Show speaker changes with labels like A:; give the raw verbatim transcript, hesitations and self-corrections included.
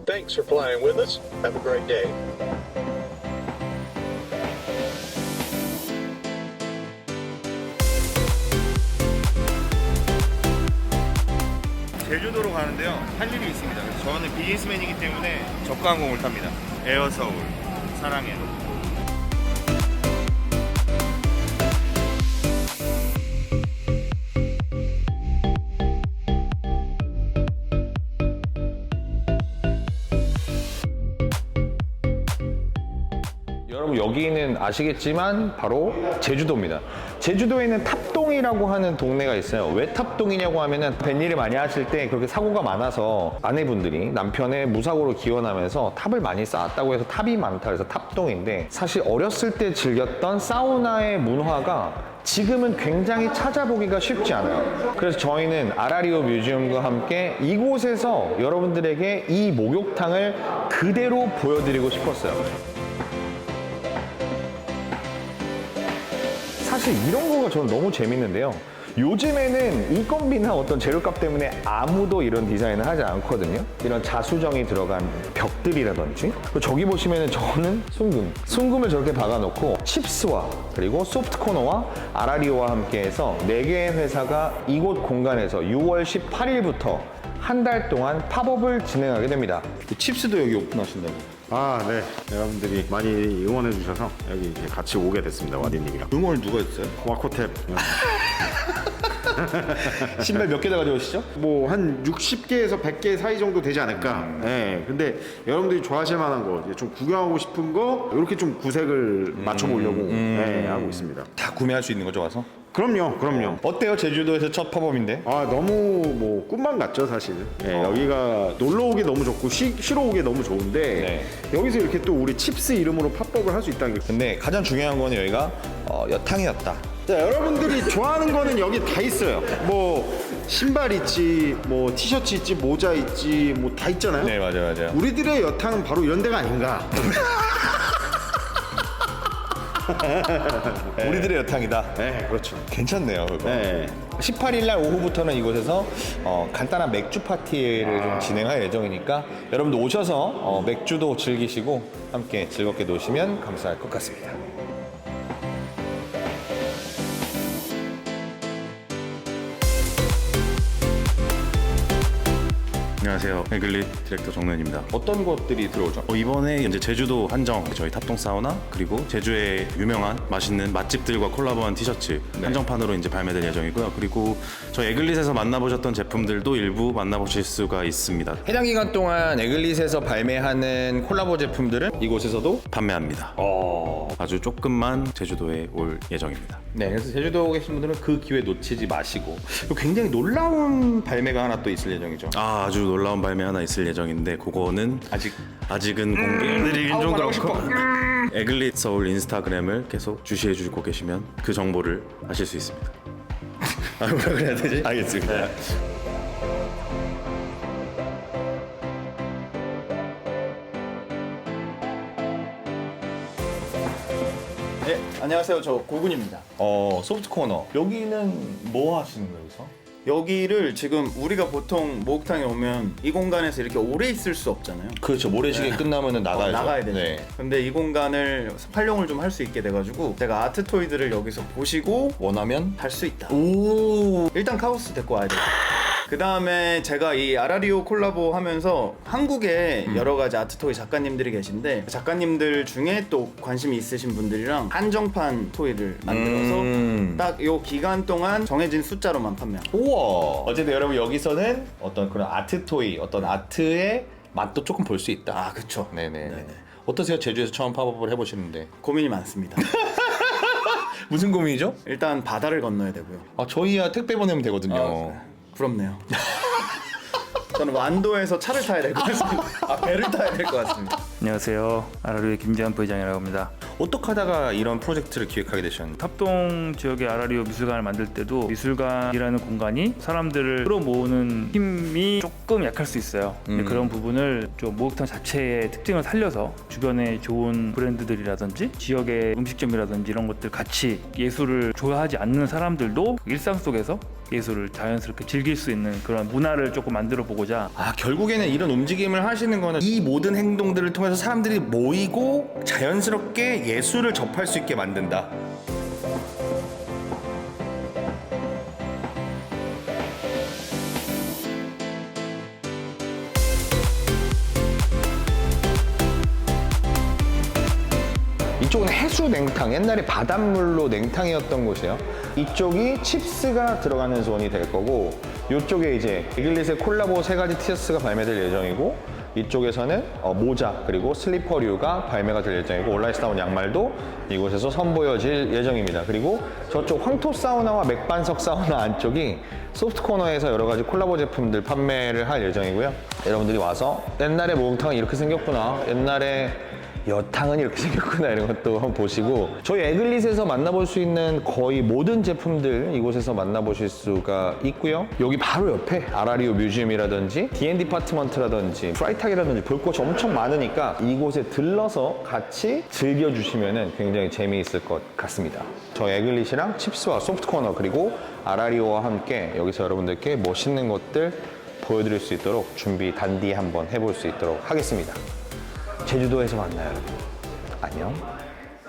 A: Thanks for flying with us. Have a great day.
B: 제주도로 가는데요. 할 일이 있습니다. 그래서 저는 비즈니스맨이기 때문에 저가 항공을 탑니다. 에어서울 사랑해.
C: 여러분 여기는 아시겠지만 바로 제주도입니다. 제주도에 있는 탑동이라고 하는 동네가 있어요. 왜 탑동이냐고 하면은 뱃일을 많이 하실 때 그렇게 사고가 많아서 아내분들이 남편의 무사고로 기원하면서 탑을 많이 쌓았다고 해서 탑이 많다 그래서 탑동인데, 사실 어렸을 때 즐겼던 사우나의 문화가 지금은 굉장히 찾아보기가 쉽지 않아요. 그래서 저희는 아라리오 뮤지엄과 함께 이곳에서 여러분들에게 이 목욕탕을 그대로 보여드리고 싶었어요. 사실 이런 거가 저는 너무 재밌는데요. 요즘에는 인건비나 어떤 재료값 때문에 아무도 이런 디자인을 하지 않거든요. 이런 자수정이 들어간 벽들이라든지. 그리고 저기 보시면은 저는 순금. 순금을 저렇게 박아놓고 칩스와 그리고 소프트코너와 아라리오와 함께해서 네 개의 회사가 이곳 공간에서 유월 십팔일부터 한 달 동안 팝업을 진행하게 됩니다. 칩스도 여기 오픈하신다고.
D: 아, 네. 여러분들이 많이 응원해 주셔서 여기 이제 같이 오게 됐습니다. 와디님이랑.
C: 응원을 누가 했어요?
D: 와코탭.
C: 신발 몇 개나 가져오시죠?
D: 뭐 한 육십 개에서 백 개 사이 정도 되지 않을까. 음. 네. 근데 여러분들이 좋아하실 만한 거, 이제 좀 구경하고 싶은 거 이렇게 좀 구색을 맞춰보려고 음. 네, 하고 있습니다.
C: 다 구매할 수 있는 거죠, 와서?
D: 그럼요, 그럼요.
C: 어때요? 제주도에서 첫 팝업인데?
D: 아, 너무 뭐 꿈만 같죠, 사실. 네,
C: 어.
D: 여기가 놀러 오기 너무 좋고 쉬, 쉬러 오기 너무 좋은데
C: 네.
D: 여기서 이렇게 또 우리 칩스 이름으로 팝업을 할 수 있다는 게.
C: 근데 가장 중요한 거는 여기가 어, 여탕이었다.
D: 자, 여러분들이 좋아하는 거는 여기 다 있어요. 뭐 신발 있지, 뭐 티셔츠 있지, 모자 있지, 뭐 다 있잖아요.
C: 네, 맞아요, 맞아요.
D: 우리들의 여탕은 바로 이런 데가 아닌가.
C: 네. 우리들의 여탕이다.
D: 네, 그렇죠.
C: 괜찮네요, 그거.
D: 네.
C: 십팔일 날 오후부터는 이곳에서 어, 간단한 맥주 파티를 좀 진행할 예정이니까 여러분들 오셔서 어, 맥주도 즐기시고 함께 즐겁게 노시면 감사할 것 같습니다.
E: 안녕하세요. 에글릿 디렉터 정노현입니다.
C: 어떤 것들이 들어오죠?
E: 어, 이번에 이제 제주도 한정 저희 탑동 사우나 그리고 제주의 유명한 맛있는 맛집들과 콜라보한 티셔츠
C: 네.
E: 한정판으로 이제 발매될 예정이고요. 그리고 저희 에글릿에서 만나보셨던 제품들도 일부 만나보실 수가 있습니다.
C: 해당 기간 동안 에글릿에서 발매하는 콜라보 제품들은 이곳에서도
E: 판매합니다.
C: 어...
E: 아주 조금만 제주도에 올 예정입니다.
C: 네, 그래서 제주도 계신 분들은 그 기회 놓치지 마시고, 그리고 굉장히 놀라운 발매가 하나 또 있을 예정이죠.
E: 아, 아주 놀라운 발매 하나 있을 예정인데 그거는
C: 아직
E: 아직은 공개해드리긴 좀
C: 아우,
E: 그렇고 에글릿 서울 인스타그램을 계속 주시해 주고 계시면 그 정보를 아실 수 있습니다.
C: 아, 뭐라 그래야 되지? 알겠습니다.
E: 네.
F: 네, 안녕하세요. 저 고군입니다.
C: 어, 소프트 코너. 여기는 뭐 하시는 거예요, 여기서?
F: 여기를 지금 우리가 보통 목욕탕에 오면 이 공간에서 이렇게 오래 있을 수 없잖아요.
C: 그렇죠. 모래시계 끝나면은
F: 어,
C: 나가야죠.
F: 나가야 되죠.
C: 네.
F: 근데 이 공간을 활용을 좀 할 수 있게 돼가지고 제가 아트 토이들을 여기서 보시고
C: 원하면
F: 할 수 있다.
C: 오.
F: 일단 카오스 데리고 와야 돼요. 그 다음에 제가 이 아라리오 콜라보 하면서 한국에
C: 음.
F: 여러 가지 아트 토이 작가님들이 계신데 작가님들 중에 또 관심이 있으신 분들이랑 한정판 토이를 만들어서
C: 음.
F: 딱 요 기간 동안 정해진 숫자로만 판매합니다.
C: 우와. 어쨌든 여러분 여기서는 어떤 그런 아트 토이, 어떤 아트의 맛도 조금 볼 수 있다.
F: 아, 그쵸.
C: 네네.
F: 네네.
C: 어떠세요? 제주에서 처음 팝업을 해보시는데
F: 고민이 많습니다.
C: 무슨 고민이죠?
F: 일단 바다를 건너야 되고요.
C: 아, 저희야 택배 보내면 되거든요.
F: 아, 부럽네요. 저는 완도에서 차를 타야 될 것 같습니다. 아, 배를 타야 될 것 같습니다.
G: 안녕하세요. 아라리오의 김재환 부회장이라고 합니다.
E: 어떻게 하다가 이런 프로젝트를 기획하게 되셨나요?
G: 탑동 지역의 아라리오 미술관을 만들 때도 미술관이라는 공간이 사람들을 끌어모으는 힘이 조금 약할 수 있어요. 근데
C: 음.
G: 그런 부분을 좀 목욕탕 자체의 특징을 살려서 주변에 좋은 브랜드들이라든지 지역의 음식점이라든지 이런 것들 같이 예술을 좋아하지 않는 사람들도 일상 속에서 예술을 자연스럽게 즐길 수 있는 그런 문화를 조금 만들어 보고자.
E: 아, 결국에는 이런 움직임을 하시는 거는 이 모든 행동들을 통해서 사람들이 모이고 자연스럽게 예술을 접할 수 있게 만든다.
C: 이쪽은 해수 냉탕, 옛날에 바닷물로 냉탕이었던 곳이에요. 이쪽이 칩스가 들어가는 존이 될 거고, 이쪽에 이제 에글릿의 콜라보 세 가지 티셔츠가 발매될 예정이고, 이쪽에서는 어, 모자 그리고 슬리퍼류가 발매가 될 예정이고, 온라이스 나온 양말도 이곳에서 선보여질 예정입니다. 그리고 저쪽 황토 사우나와 맥반석 사우나 안쪽이 소프트 코너에서 여러 가지 콜라보 제품들 판매를 할 예정이고요. 여러분들이 와서 옛날에 목욕탕은 이렇게 생겼구나, 옛날에 여탕은 이렇게 생겼구나, 이런 것도 한번 보시고, 저희 에글릿에서 만나볼 수 있는 거의 모든 제품들 이곳에서 만나보실 수가 있고요. 여기 바로 옆에 아라리오 뮤지엄이라든지 디앤 디파트먼트라든지 프라이탁이라든지 볼 곳이 엄청 많으니까 이곳에 들러서 같이 즐겨주시면 굉장히 재미있을 것 같습니다. 저희 에글릿이랑 칩스와 소프트코너 그리고 아라리오와 함께 여기서 여러분들께 멋있는 것들 보여드릴 수 있도록 준비 단디 한번 해볼 수 있도록 하겠습니다. 제주도에서 만나요, 여러분. 안녕.